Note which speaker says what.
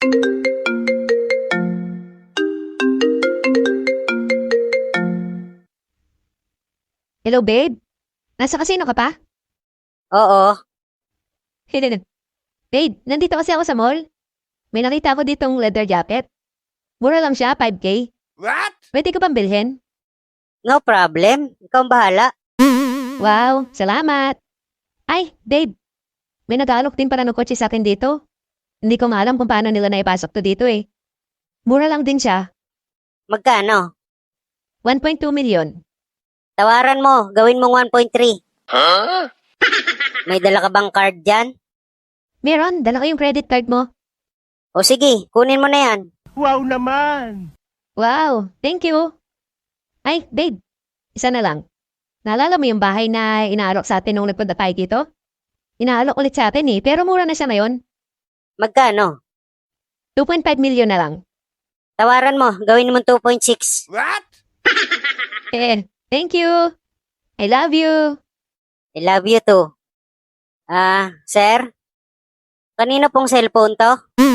Speaker 1: Hello, babe? Nasa kasino ka pa?
Speaker 2: Oo.
Speaker 1: Babe, nandito kasi ako sa mall. May nakita ako ditong leather jacket. Mura lang siya, 5K.
Speaker 3: What?
Speaker 1: Pwede ko pang bilhin?
Speaker 2: No problem. Ikaw ang bahala.
Speaker 1: Wow, salamat. Ay, babe. May nag-aalok din para ng kotse sa akin dito. Hindi ko maalam kung paano nila naipasok to dito eh. Mura lang din siya.
Speaker 2: Magkano?
Speaker 1: 1.2 million.
Speaker 2: Tawaran mo. Gawin mong 1.3.
Speaker 3: Huh?
Speaker 2: May dala ka bang card dyan?
Speaker 1: Meron, dala ko yung credit card mo.
Speaker 2: O sige, kunin mo na yan.
Speaker 3: Wow naman!
Speaker 1: Wow, thank you. Ay, babe. Isa na lang. Naalala mo yung bahay na inaalok sa atin nung nagpunta tayo dito? Inaalok ulit sa atin eh, pero mura na siya ngayon.
Speaker 2: Magkano?
Speaker 1: 2.5 million na lang.
Speaker 2: Tawaran mo. Gawin mo 2.6.
Speaker 3: What?
Speaker 1: Thank you. I love you.
Speaker 2: I love you too. Sir? Kanino pong cellphone to?